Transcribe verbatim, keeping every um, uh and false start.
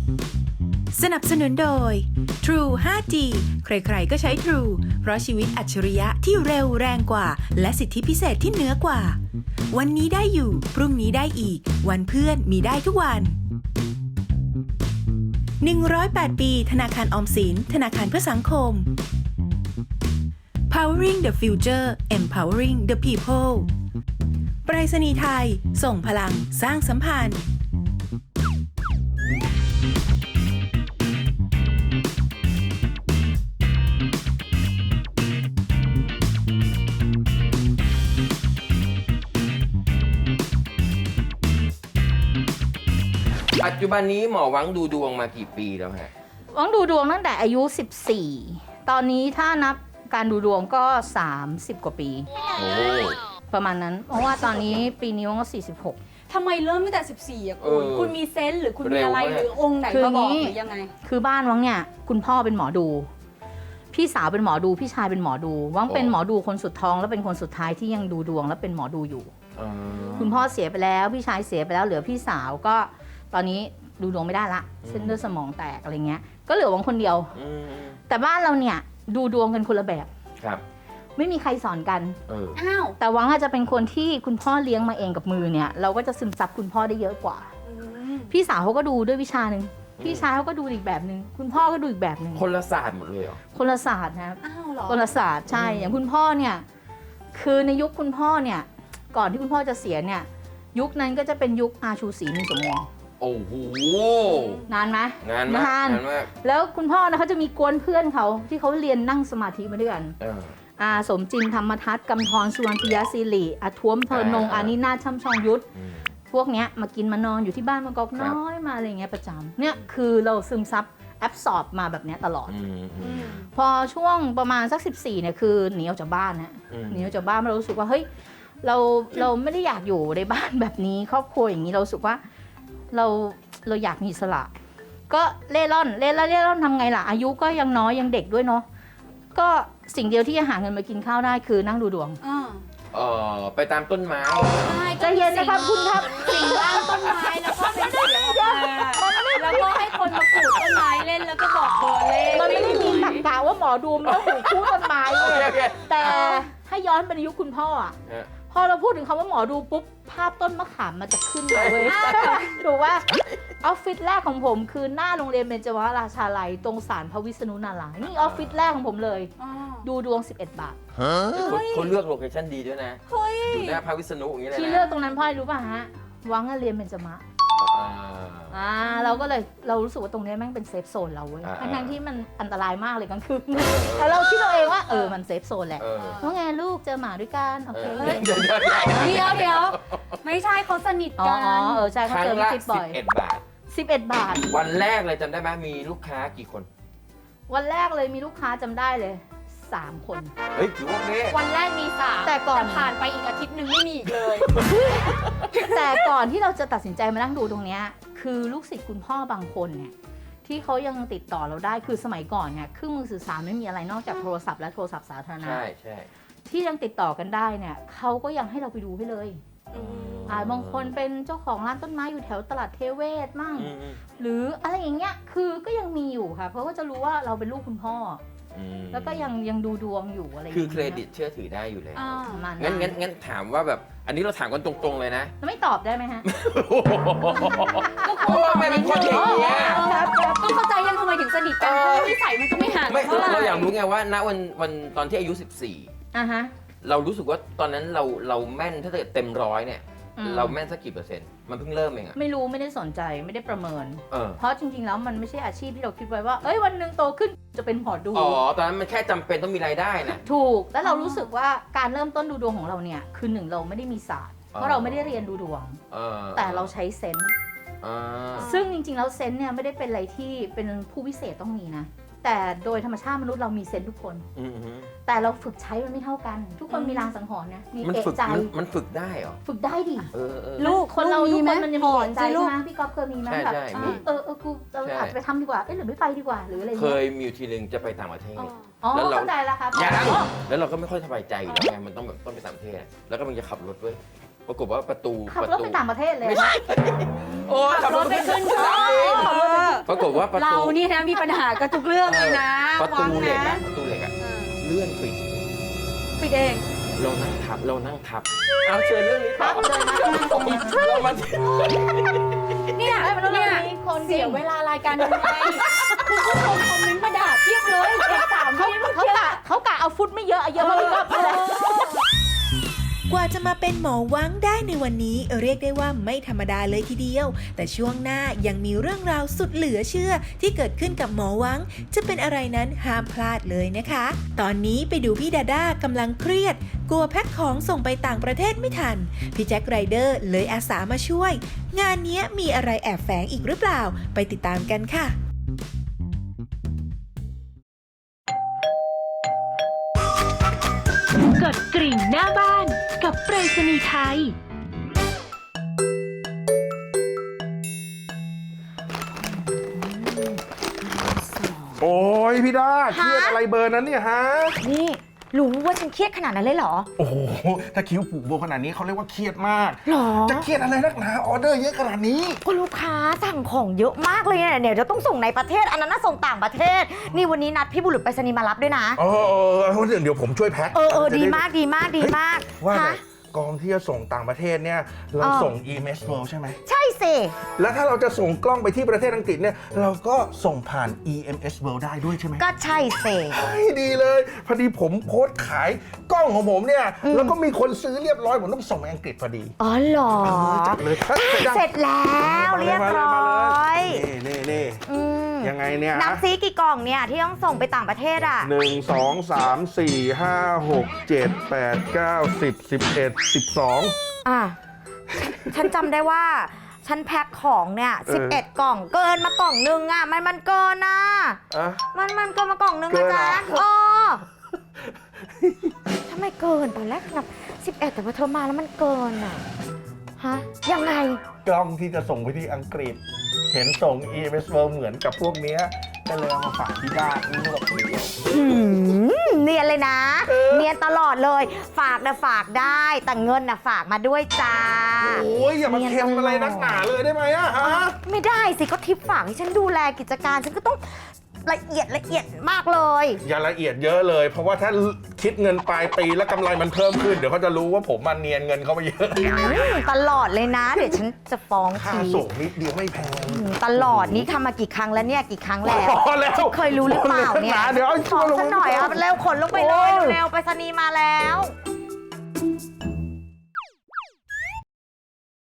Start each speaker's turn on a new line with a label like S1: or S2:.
S1: สนับสนุนโดย True ไฟว์ จี ใครๆก็ใช้ True เพราะชีวิตอัจฉริยะที่เร็วแรงกว่าและสิทธิพิเศษที่เหนือกว่าวันนี้ได้อยู่พรุ่งนี้ได้อีกวันเพื่อนมีได้ทุกวันหนึ่งร้อยแปดปีธนาคารออมสินธนาคารเพื่อสังคม Powering the Future Empowering the People ไปรษณีย์ไทยส่งพลังสร้างสัมพันธ์
S2: ปัจจุบันนี้หมอวังดูดวงมากี่ปีแล้วฮะ
S3: วังดูดวงตั้งแต่อายุสิบสี่ตอนนี้ถ้านับการดูดวงก็สามสิบกว่าปีโอ้ประมาณนั้นเพราะว่าตอนนี้ปีนี้วังก็สี่สิบหก
S4: ทำไมเริ่มตั้งแต่สิบสี่อ่ะคุณคุณมีเซนส์หรือคุณมีอะไรหรือองค์ไหนมาบอกหรือยังไง
S3: คือบ้านวังเนี่ยคุณพ่อเป็นหมอดูพี่สาวเป็นหมอดูพี่ชายเป็นหมอดูวังเป็นหมอดูคนสุดท้องและเป็นคนสุดท้ายที่ยังดูดวงและเป็นหมอดูอยู่คุณพ่อเสียไปแล้วพี่ชายเสียไปแล้วเหลือพี่สาวก็ตอนนี้ดูดวงไม่ได้ละเส้นเลือดสมองแตกอะไรเงี้ยก็เหลือวังคนเดียวแต่บ้านเราเนี่ยดูดวงกันคนละแบบ
S2: ครับ
S3: ไม่มีใครสอนกัน
S4: อ้าว
S3: แต่วังอาจจะเป็นคนที่คุณพ่อเลี้ยงมาเองกับมือเนี่ยเราก็จะซึมซับคุณพ่อได้เยอะกว่าพี่สาวเขาก็ดูด้วยวิชาหนึ่งพี่ชายเขาก็ดูอีกแบบหนึ่งคุณพ่อก็ดูอีกแบบหนึ่ง
S2: คนละศาสตร์หมดเลยเหรอ
S3: คนละศาสตร์นะครับ
S4: อ้าวเหรอ
S3: คนละศาสตร์ใช่อย่างคุณพ่อเนี่ยคือในยุคคุณพ่อเนี่ยก่อนที่คุณพ่อจะเสียเนี่ยยุคนั้นก็จะเป็นยุคอาชูศรีนินสมวง
S2: โอ้โห
S3: นานไหม
S2: นานมากนานมาก
S3: แล้วคุณพ่อนะเขาจะมีกวนเพื่อนเขาที่เขาเรียนนั่งสมาธิมาด้วยกันอาสมจินธรรมทัศน์กำธรสุวรรณพิยศิริอาท้วมเพลินนงอานินาช่ำชองยุทธพวกเนี้ยมากินมานอนอยู่ที่บ้านมากอกน้อยมาอะไรเงี้ยประจำเนี่ยคือเราซึมซับแอบสอบมาแบบเนี้ยตลอดพอช่วงประมาณสักสิบสี่เนี่ยคือหนีออกจากบ้านนะหนีออกจากบ้านเรารู้สึกว่าเฮ้ยเราเราไม่ได้อยากอยู่ในบ้านแบบนี้ครอบครัวอย่างนี้เราสึกว่าเราเราอยากมีอิสระก็เล่ร่อนเล่ร่อนเล่ร่อนทำไงล่ะอายุก็ยังน้อยยังเด็กด้วยเนาะก็สิ่งเดียวที่จะหาเงินมากินข้าวได้คือนั่งดูดวง
S2: เออไปตามต้นไม้
S3: ใจเย็นนะครับคุณครับ
S4: สิ่งล่างต้นไม้แล้วก็เป็นเสียงออกมาแล้วก็ให้คนมาขูดต้นไม้เล่นแล้วก็บอกเบอร์เลข
S3: มันไม่ได้มีตรรกะว่าหมอดูมันต้องหูคู่ต้นไม้เลยแต่ให้ย้อนไปในยุคคุณพ่ออ่ะพอเราพูดถึงคำว่าหมอดูปุ๊บภาพต้นมะขามมันจะขึ้นมาเลยถูกว่าออฟฟิศแรกของผมคือหน้าโรงเรียนเบญจวราชาลัยตรงศาลพระวิษณุนารายณ์นี่ออฟฟิศแรกของผมเลยดูดวงสิบเอ็ดบาท
S2: คนเลือกโลเคชั่นดีด้วยนะอยู่หน้าพระวิษณุอย่างนี้เลยนะ
S3: ที่เลือกตรงนั้นเพราะอะไรรู้ป่ะฮะวังเรียนเบญจมะอ่าเราก็เลยเรารู้สึกว่าตรงนี้แม่งเป็นเซฟโซนเราเว้ยทั้งที่มันอันตรายมากเลยกลางคืนแต่เราคิดเราเองว่าเออมันเซฟโซนแหละเพราะไงลูกเจอหมาด้วยกันโอเค
S4: เดี๋ยวเดี๋ยวไม่ใช่เขาสนิทกัน
S3: อ๋อเออใช่เขาเจอพี่จิ๊บบ่อย
S2: สิบเอ็ดบาท
S3: สิบเอ็ดบาท
S2: วันแรกเลยจำได้ไหมมีลูกค้ากี่คน
S3: วันแรกเลยมีลูกค้าจำได้เลยสามคน
S2: เฮ้ยถือว่าโอเค
S4: วันแรกมีสาม
S3: แต่ก่อน
S4: ผ่านไปอีกอาทิตย์นึงไม่มีอีกเลย
S3: แต่ก่อนที่เราจะตัดสินใจมานั่งดูตรงนี้คือลูกศิษย์คุณพ่อบางคนเนี่ยที่เขายังติดต่อเราได้คือสมัยก่อนเนี่ยเครื่องมือสื่อสารไม่มีอะไรนอกจากโทรศัพท์และโทรศัพท์สาธารณะ
S2: ใช่ใช่
S3: ที่ยังติดต่อกันได้เนี่ยเขาก็ยังให้เราไปดูให้เลยอ่าบางคนเป็นเจ้าของร้านต้นไม้อยู่แถวตลาดเทเวศมั่งหรืออะไรอย่างเงี้ยคือก็ยังมีอยู่ค่ะเพราะว่าจะรู้ว่าเราเป็นลูกคุณพ่อแล้วก็ยังยังดูดวงอยู่อะไร
S2: คือเครดิตเชื่อถือได้อยู่แล้วงั้
S3: น
S2: งั้นงั้นถามว่าแบบอันนี้เราถามกันตรงๆเลยนะ
S3: ไม่ตอบได้ไหมฮะ
S2: เพราะว่าไม่เป็นคนอย่างเงี้ย
S4: ต้องเข้าใจยังทำไมถึงสนิทกันเพราะนิสัยมันก็ไม่ห่าง
S2: เท่าไหร่เราอยากรู้ไงว่าณวันวันตอนที่อายุสิบสี่
S3: อ่ะฮะ
S2: เรารู้สึกว่าตอนนั้นเราเราแม่นถ้าเกิดเต็มร้อยเนี่ยเราแม่นสักกี่เปอร์เซ็นต์มันเพิ่งเริ่มเองอะ
S3: ไม่รู้ไม่ได้สนใจไม่ได้ประเมิน
S2: เออ
S3: เพราะจริงๆแล้วมันไม่ใช่อาชีพที่เราคิดไว้ว่าเอ้ยวันนึงโตขึ้นจะเป็นหมอดู
S2: อ๋อตอนนั้นมันแค่จำเป็นต้องมีรายได้นะ
S3: ถูกแล้วเรารู้สึกว่าการเริ่มต้นดูดวงของเราเนี่ยคือหนึ่งเราไม่ได้มีศาสตร์เพราะเราไม่ได้เรียนดูดวงแต่เราใช้เซนส์ซึ่งจริงๆแล้วเซนส์เนี่ยไม่ได้เป็นอะไรที่เป็นผู้พิเศษต้องมีนะแต่โดยธรรมชาติมนุษย์เรามีเซนส์ทุกคนแต่เราฝึกใช้มันไม่เท่ากันทุกคนมีรางสังหรณ์นะมีเอะใจ
S2: มันฝึกได้เหรอ
S3: ฝึกได้ดิ
S4: ลูก
S3: คนเราทุกคนมันจะมีเอะใจใช่ไหมพี่ก๊อฟเคยมีไหมแบบเออเออกูเราอาจจะไปทำดีกว่าเอ๊ะหรือไม่ไปดีกว่าหรืออะไร
S2: เคยมีทีนึงจะไปต่างประเทศ
S3: แล้วเราเข้าใจแล้วครับ
S2: ยังแล้วเราก็ไม่ค่อยสบายใจอยู่แล้วไงมันต้องแบบต้องไปต่างประเทศแล้วก็มันจะขับรถด้วยปรากฏว่าประตู
S3: ขับรถไปต่างประเทศเลย
S2: โอ้ขับรถไปขึ้นเครื่องปากฏว่าประ
S4: เรา
S2: ตู
S4: นี่นะมีปัญหากับทุกเรื่องเลยนะ
S2: ประตูเหล็ก
S4: วั
S2: อะ
S4: ง
S2: ประตูเหล็กอะ
S4: เออ
S2: เลื่อนปิด
S4: ปิดเอง
S2: เรานั่งทับเรานั่งทับเอาเชิญเรื่องนี้ต่อ
S3: ทับเลยนะ
S2: เรามา
S4: เนี่ย
S3: ไม่มันต้อง
S4: เนี่ย
S3: มีคน
S4: เสียเวลารายการทำไมคุณผู้ชมคอมเมนต์มาด่าเพียบเลยเด็กสาม
S3: เขา
S4: ที่เมื่อ
S3: เขา
S4: กี้
S3: กะเขากะเอาฟุตไม่เยอะเอาเยอะเพราะมันก็ไปเลย
S1: กว่าจะมาเป็นหมอวังได้ในวันนี้เรียกได้ว่าไม่ธรรมดาเลยทีเดียว แต่ช่วงหน้ายังมีเรื่องราวสุดเหลือเชื่อที่เกิดขึ้นกับหมอวัง จะเป็นอะไรนั้นห้ามพลาดเลยนะคะ ตอนนี้ไปดูพี่ดาด้ากำลังเครียด กลัวแพ็คของส่งไปต่างประเทศไม่ทัน พี่แจ็คไรเดอร์เลยอาสามาช่วย งานนี้มีอะไรแอบแฝงอีกหรือเปล่า ไปติดตามกันค่ะ
S5: กดกริ่งหน้าบ้านกับไปรษณีย์ไทย
S6: โอ้ยพี่ดาเครียดอะไรเบอร์นั้นเนี่ยฮะ
S7: นี่รู้ว่าฉันเครียดขนาดนั้นเลยเหรอ
S6: โอ้โห ถ้าคิ้วผูกโบขนาดนี้เขาเรียกว่าเครียดมาก
S7: หรอ
S6: จะเครียดอะไรนักหนาออเดอร์เยอะขนาดนี้
S7: ก็ลูกค้าสั่งของเยอะมากเลยเนี่ยเดี๋ยวจะต้องส่งในประเทศ อันนั้นน่ะส่งต่างประเทศ นี่วันนี้นัดพี่บุรุษไปรษณีย์มารับด้วยนะ
S6: เออเออเออเดี๋ยวผมช่วยแพ็ค
S7: เออเออ
S6: จะ
S7: ดี
S6: ไ
S7: มากดีมากดีมาก
S6: ว่าแต่
S7: ฮะ
S6: กองที่จะส่งต่างประเทศเนี่ย เรา
S7: เออ
S6: ส่ง อี เอ็ม เอส World ใช่ไหม
S7: ใช่สิ
S6: แล้วถ้าเราจะส่งกล้องไปที่ประเทศอังกฤษเนี่ย เราก็ส่งผ่าน อี เอ็ม เอส World ได้ด้วยใช่ไหม
S7: ก็ใช่สิ
S6: เฮ้ยดีเลย พอดีผมโพสต์ขายกล้องของผมเนี่ย แล้วก็มีคนซื้อเรียบร้อยผมต้องส่งไปอังกฤษพอดี
S7: อ๋อเหรอ
S6: เออจัดเลยเฮ้ยยัง
S7: เสร็จแล้วเรียบร้อย
S6: นี่นี่นี่
S7: อืม
S6: ยังไงเนี่ย
S7: นับซีกี่กล่องเนี่ยที่ต้องส่งไปต่างประเทศอ่ะ
S6: หนึ่งสองสามสี่ห้าหกเจ็ดแปดเก้าสิบสิบเอ็ดสิบสอง
S7: อ่ะ ฉันจำได้ว่า ฉันแพ็คของเนี่ย
S6: เออ
S7: สิบเอ็ดกล่องเกินมากล่องนึงอ่ะ มันมันเกินนะ
S6: อ่ะ
S7: มันมันเกินมากล่องนึง
S6: เกิ
S7: นะ
S6: นเหรอ
S7: จ๊ะอ๋อทำไมเกินตอนแรกนับสิบเอ็ดแต่พอเธอมาแล้วมันเกินอ่ะ ฮะ ยังไง
S6: กล้องที่จะส่งไปที่อังกฤษ เห็นส่ง อี เอ็ม เอส World เหมือนกับพวกเนี้ยก็เลยเอามาฝากที่บ้านนี่แบบเดียว
S7: หืมเนียนเลยนะ
S6: เออ
S7: เนียนตลอดเลย ฝากนะฝากได้ แต่เงินนะฝากมาด้วยจ้า
S6: โอ้ยอย่ามาเค็มอะไรนักหนาเลยได้ไหมอะฮะ
S7: ไม่ได้สิก็ทิปฝากให้ฉันดูแลกิจการ ฉันก็ต้องละเอียดละเอียดมากเลย
S6: อย่าละเอียดเยอะเลย เพราะว่าถ้าคิดเงินปลายปีแล้วกำไรมันเพิ่มขึ้น เดี๋ยวเขาจะรู้ว่าผมมันเนียนเงินเขาไปเยอะ
S7: อืมตลอดเลยนะ เดี๋ยวฉันจะฟ้อง
S6: ค่า
S7: ที
S6: ส่งนิดเดียวไม่แพง
S7: อืมตลอดนี้ทำมากี่ครั้งแล้วเนี่ยกี่ครั้งแล้ว
S6: พอแล้ว
S7: เคยรู้หรือเปล่าเนี่ย
S6: เดี๋ยวเอา
S7: ฟ้อง
S6: ลง
S7: ฉันหน่อย
S6: ไป
S7: เอาเร็วขนลงไปเลย
S6: โอ้ย
S7: เร็วๆไปรษณีย์มาแล้ว